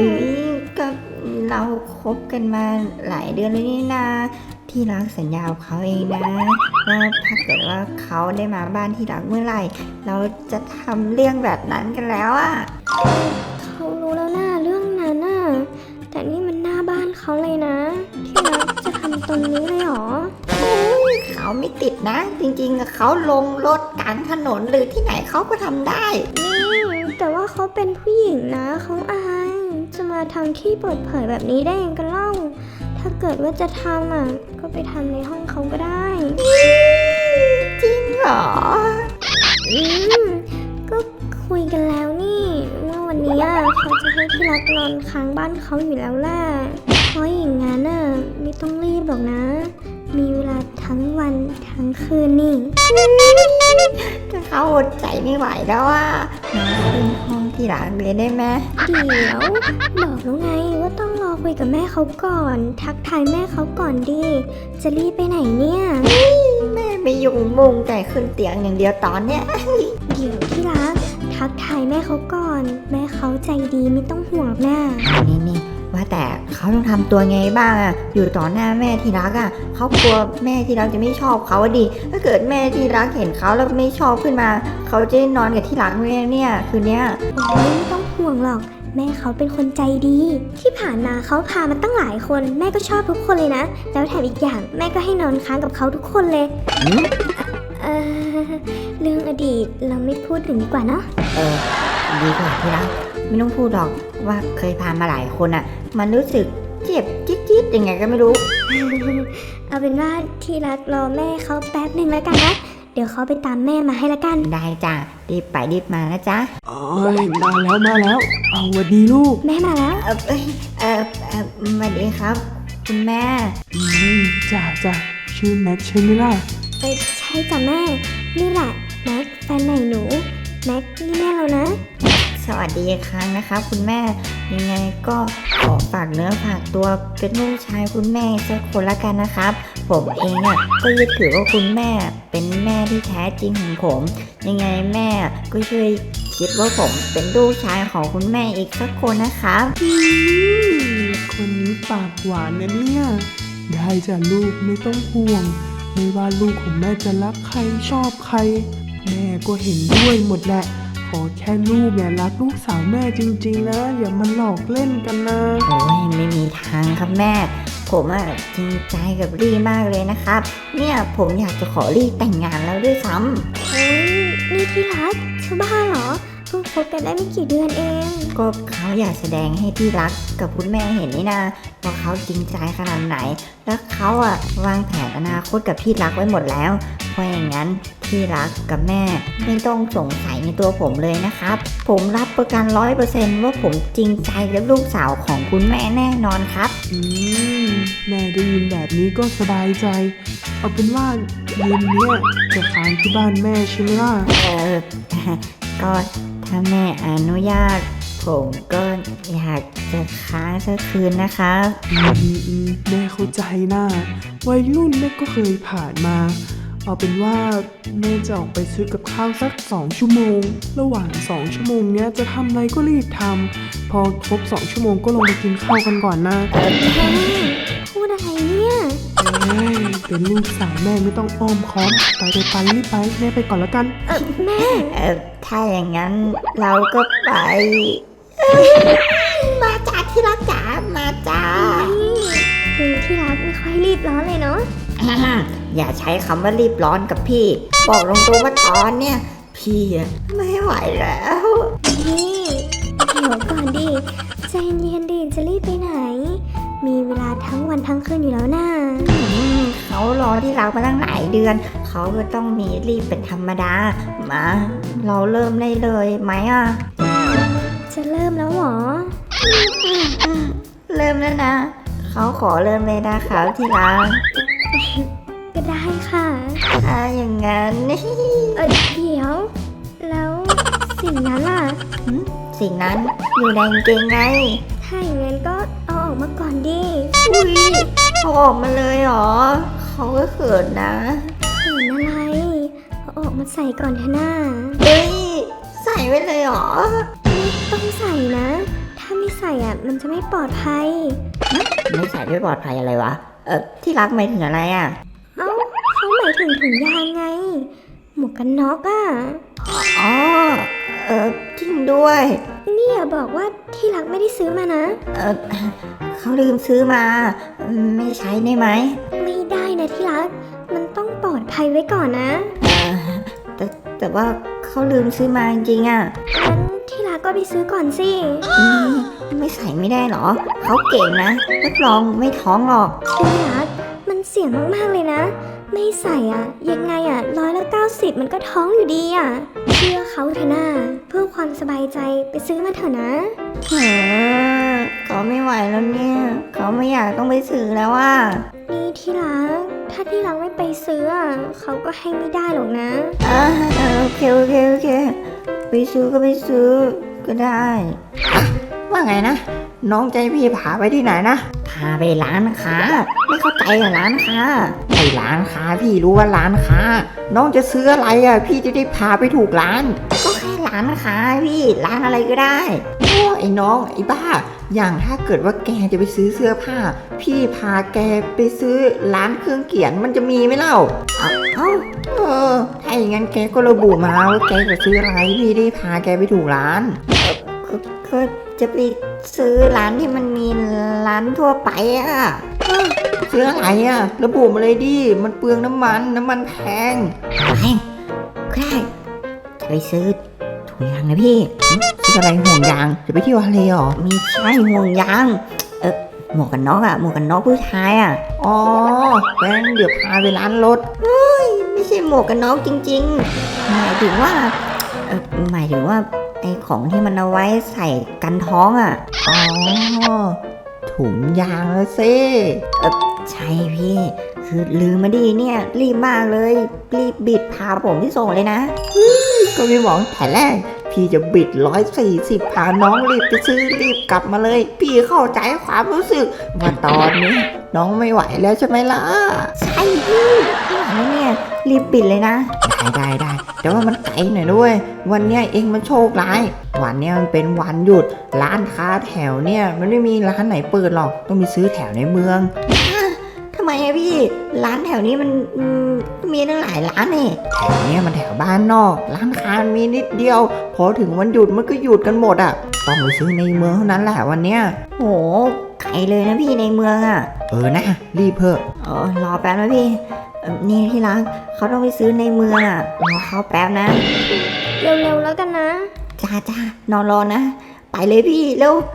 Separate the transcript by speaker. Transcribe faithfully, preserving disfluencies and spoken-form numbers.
Speaker 1: อ้ยก็เราคบกันมาหลายเดือนแล้วนี่นาที่รักสัญญากับเขาเองนะว่าถ้าเกิดว่าเขาได้มาบ้านที่รักเมื่อไหร่เราจะทำเรื่องแบบนั้นกันแล้วอะ
Speaker 2: เขารู้แล้วนะเรื่องนั้นน่ะแต่นี่มันหน้าบ้านเขาเลยนะที่รักจะทำตรงนี้เลยเหรอ
Speaker 1: เขาไม่ติดนะจริงๆอะเขาลงรถกลางถนนหรือที่ไหนเขาก็ทำได้
Speaker 2: นี่แต่ว่าเขาเป็นผู้หญิงนะเขาอายจะมาทำที่เปิดเผยแบบนี้ได้ยังกันเล่าถ้าเกิดว่าจะทำอ่ะก็ไปทำในห้องเขาก็ได้
Speaker 1: จริงเหรอ
Speaker 2: อืมก็คุยกันแล้วนี่ว่าวันนี้อ่ะเขาจะให้ที่รักนอนค้างบ้านเขาอยู่แล้วแหละเพราะอย่างงั้นอ่ะไม่ต้องรีบหรอกนะ มีเวลาทั้งวันทั้งคืนนี่
Speaker 1: ถ้าเขาอดใจไม่ไหวแล้วอ่ะนอนขึ้นห้องที่รักเลยได้ไหม
Speaker 2: เดี๋ยวบอกแล้วไงว่าต้องรอคุยกับแม่เขาก่อน ทักทายแม่เขาก่อนดิจะรีบไปไหนเนี่ย
Speaker 1: แม่ไม่ยุ่งมุงแต่ขึ้นเตียงอย่างเดียวตอนเนี้ย
Speaker 2: เดี๋ยวที่รักทักทายแม่เขาก่อน แม่เขาใจดีไม่ต้องห่วงหน้า
Speaker 1: นี่นี่ว่าแต่เขาต้องทำตัวไงบ้างอะอยู่ต่อหน้าแม่ที่รักอะเขากลัวแม่ที่รักจะไม่ชอบเขาอะดิถ้าเกิดแม่ที่รักเห็นเขาแล้วไม่ชอบขึ้นมาเขาจะนอนกับที่รักไหมเนี่ยคืนเนี้ย
Speaker 2: โอ้ยไม่ต้องห่วงหรอก แม่เขาเป็นคนใจดี ที่ผ่านมาเขาพามาตั้งหลายคน แม่ก็ชอบทุกคนเลยนะ แล้วแถมอีกอย่างแม่ก็ให้นอนค้างกับเขาทุกคนเลย
Speaker 1: หืม
Speaker 2: เออเรื่องอดีตเราไม่พูดถึงดีกว่าเนาะ
Speaker 1: เออดีกว่าที่รักไม่ต้องพูดหรอกว่าเคยพามาหลายคนอะมันรู้สึกเจ็บจี๊ดๆยังไงก็ไม่รู้
Speaker 2: เอาเป็นว่าที่รักรอแม่เขาแป๊บหนึ่งแล้วกันนะ เดี๋ยวเขาไปตามแม่มาให้ละกัน
Speaker 1: ได้จ้ะรีบไปรีบมานะจ๊ะ
Speaker 3: เอ้ยมาแล้วมาแล้ว เอาหวัดดีลูก
Speaker 2: แม่มาแล้ว
Speaker 1: เออเอยเออเออสวัสดีครับ คุณแม่
Speaker 3: อืมจ้าจ้าชื่อแม็กใช่ไหมล่ะ
Speaker 2: เออใช่จ้ะแม่ นี่แหละแม็กแฟนใหม่หนู แม็กนี่แม่เรานะ
Speaker 1: สวัสดีอีกครั้งนะครับคุณแม่ยังไงก็ขอฝากเนื้อฝากตัวเป็นลูกชายคุณแม่สักคนละกันนะครับ ผมเองอ่ะก็ยึดถือว่าคุณแม่เป็นแม่ที่แท้จริงของผม ยังไงแม่ก็ช่วยคิดว่าผมเป็นลูกชายของคุณแม่อีกสักคนนะครับ
Speaker 3: อืมคนนี้ปากหวานนะเนี่ย ได้จ้ะลูกไม่ต้องห่วง ไม่ว่าลูกของแม่จะรักใครชอบใคร แม่ก็เห็นด้วยหมดแหละ ขอแค่ลูกเนี่ยรักลูกสาวแม่จริงๆนะ อย่ามาหลอกเล่นกันนะ
Speaker 1: โอ้ยไม่มีทางครับแม่ ผมอะจริงใจกับรี่มากเลยนะครับ เนี่ยผมอยากจะขอรี่แต่งงานแล้วด้วยซ้ำ
Speaker 2: โอ้ยนี่ที่รักจะบ้าเหรอ เพิ่งคบกันได้ไม่กี่เดือนเอง
Speaker 1: ก็เขาอยากแสดงให้ที่รักกับคุณแม่เห็นนี่นะว่าเขาจริงใจขนาดไหน แล้วเขาอะวางแผนอนาคตกับที่รักไว้หมดแล้ว เพราะอย่างนั้นที่รักกับแม่ไม่ต้องสงสัยในตัวผมเลยนะครับ ผมรับประกันร้อยเปอร์เซนต์ว่าผมจริงใจกับลูกสาวของคุณแม่แน่นอนครับ
Speaker 3: อืมแม่ได้ยินแบบนี้ก็สบายใจ เอาเป็นว่าเย็นเนี้ยจะค้างที่บ้านแม่ใช่ไหมล่ะ
Speaker 1: เออ ก็ถ้าแม่อนุญาต ผมก็อยากจะค้างสักคืนนะครับ
Speaker 3: อืมอืมอืมแม่เข้าใจนะวัยรุ่นแม่ก็เคยผ่านมา เอาเป็นว่าแม่จะออกไปซื้อกับข้าวสักสองชั่วโมง ระหว่างสองชั่วโมงเนี้ยจะทำอะไรก็รีบทำพอครบสองชั่วโมงก็ลงไปกินข้าวกันก่อนนะ
Speaker 2: แม่พูดอะไรเนี่ย
Speaker 3: เอ้ยเป็นลูกสาวแม่ไม่ต้องอ้อมค้อมไปไปไปรีบไปแม่ไปก่อนละกัน
Speaker 2: เออแม่
Speaker 1: เออถ้าอย่างนั้นเราก็ไป มาจ้าที่รักจ๋ามาจ้า
Speaker 2: ดูที่รักไม่ค่อยรีบร้อนเลยเนาะ
Speaker 1: อย่าใช้คำว่ารีบร้อนกับพี่ บอกตรงๆว่าตอนเนี้ยพี่อะไม่ไหวแล้ว
Speaker 2: นี่เดี๋ยวก่อนดิใจเย็นดิจะรีบไปไหน มีเวลาทั้งวันทั้งคืนอยู่แล้วน่า
Speaker 1: อืมเขารอที่รักมาตั้งหลายเดือน เขาก็ต้องมีรีบเป็นธรรมดา มา เราเริ่มได้เลยไหมอ่ะ
Speaker 2: จะเริ่มแล้วเหรอ
Speaker 1: อืมเริ่มแล้วนะ เขาขอเริ่มเลยนะครับที่รัก
Speaker 2: ก็ได้ค่ะ
Speaker 1: ถ้าอย่างนั้น
Speaker 2: เออเดี๋ยว แล้วสิ่งนั้นล่ะ
Speaker 1: หืมสิ่งนั้นอยู่ในกางเกงไง
Speaker 2: ถ้าอย่างนั้นก็เอาออกมาก่อนดิ
Speaker 1: อุ้ยเขาออกมาเลยเหรอ เขาก็เขินนะ
Speaker 2: เขินอะไรเอาออกมาใส่ก่อนเถอะน่า
Speaker 1: เฮ้ย ใส่ไว้เลยเหรอ
Speaker 2: ต้องใส่นะ ถ้าไม่ไม่ใส่อ่ะมันจะไม่ปลอดภัย
Speaker 1: ไม่ใส่ไม่ปลอดภัยอะไรวะ เออที่รักหมายถึงอะไรอ่ะ
Speaker 2: เอ้าเขาหมายถึงถุงยางไง หมวกกันน็อกอ่ะ
Speaker 1: อ๋อ เออจริงด้วย
Speaker 2: นี่อย่าบอกว่าที่รักไม่ได้ซื้อมานะ
Speaker 1: เออเขาลืมซื้อมา ไม่ใช้ได้ไหม
Speaker 2: ไม่ได้นะที่รัก มันต้องปลอดภัยไว้ก่อนนะ
Speaker 1: เออแต่แต่ว่าเขาลืมซื้อมาจริงๆอ่ะ
Speaker 2: งั้นที่รักก็ไปซื้อก่อนสิ
Speaker 1: อืมไม่ใส่ไม่ได้หรอ เขาเก่งนะรับรองไม่ท้องหรอก
Speaker 2: ที่รัก มันเสี่ยงมากๆเลยนะ ไม่ใส่อ่ะ ยังไงอ่ะร้อยละเก้าสิบมันก็ท้องอยู่ดีอ่ะ เชื่อเขาเถอะนะเพื่อความสบายใจไปซื้อมาเถอะนะ
Speaker 1: เออเขาไม่ไหวแล้วเนี่ย เขาไม่อยากต้องไปซื้อแล้วว่า
Speaker 2: นี่ที่รัก ถ้าที่รักไม่ไปซื้ออ่ะเขาก็ให้ไม่ได้หรอกนะ
Speaker 1: อ่าเออโอเคโอเคโอเค ไปซื้อก็ไปซื้อก็ได้อ่ะว่าไงนะ น้องใจพี่พาไปที่ไหนนะ พาไปร้านค้า ไม่เข้าใจอะร้านค้าไอ้ร้านค้าพี่รู้ว่าร้านค้า น้องจะซื้ออะไรอ่ะ พี่จะได้พาไปถูกร้าน ก็แค่ร้านค้าพี่ร้านอะไรก็ได้โอ้ไอ้น้องไอ้บ้า อย่างถ้าเกิดว่าแกจะไปซื้อเสื้อผ้า พี่พาแกไปซื้อร้านเครื่องเขียนมันจะมีไหมเล่าเอ้าเอ้าเออถ้าอย่างนั้นแกก็ระบุมาว่าแกจะซื้ออะไรพี่ได้พาแกไปถูกร้านก็ก็จะไปซื้อร้านที่มันมีร้านทั่วไปอะเอ้าซื้ออะไรอะระบุมาเลยดิมันเปลืองน้ำมันน้ำมันแพงแพงก็ได้จะไปซื้อถุงยางนะพี่ซื้ออะไรห่วงยางจะไปเที่ยวทะเลหรอมีใช่ห่วงยางเออหมวกกันน็อกอะหมวกกันน็อกผู้ชายอะอ๋องั้นเดี๋ยวพาไปร้านรถเฮ้ยไม่ใช่หมวกกันน็อกจริงๆหมายถึงว่าเออหมายถึงว่าไอของที่มันเอาไว้ใส่กันท้องอะอ๋อถุงยางแล้วสิเออใช่พี่คือลืมมาดีเนี่ยรีบมากเลยรีบบิดพาผมที่ส่งเลยนะก็พี่บอกแต่แรกพี่จะบิดร้อยสี่สิบพาน้องรีบไปซื้อรีบกลับมาเลย พี่เข้าใจความรู้สึกว่าตอนนี้น้องไม่ไหวแล้วใช่ไหมล่ะใช่พี่พี่ไหวแล้วเนี่ยรีบบิดเลยนะได้ได้ได้แต่ว่ามันไกลหน่อยด้วยวันเนี้ยเองมันโชคร้ายวันเนี้ยมันเป็นวันหยุดร้านค้าแถวเนี่ยมันไม่มีร้านไหนเปิดหรอกต้องไปซื้อแถวในเมืองทำไมอะพี่ร้านแถวนี้มันอืมมีตั้งหลายร้านนี่แถวเนี้ยมันแถวบ้านนอกร้านค้ามีนิดเดียวพอถึงวันหยุดมันก็หยุดกันหมดอ่ะต้องไปซื้อในเมืองเท่านั้นแหละวันเนี้ยโหไกลเลยนะพี่ในเมืองอ่ะเออนะรีบเพิ่มเออรอแป๊บนะพี่เอ่อนี่ที่รักเขาต้องไปซื้อในเมืองอ่ะรอเขาแป๊บนะ
Speaker 2: เร็วๆแล้วกันนะ
Speaker 1: จ้าจ้านอนรอนะ ไปเลยพี่เร็ว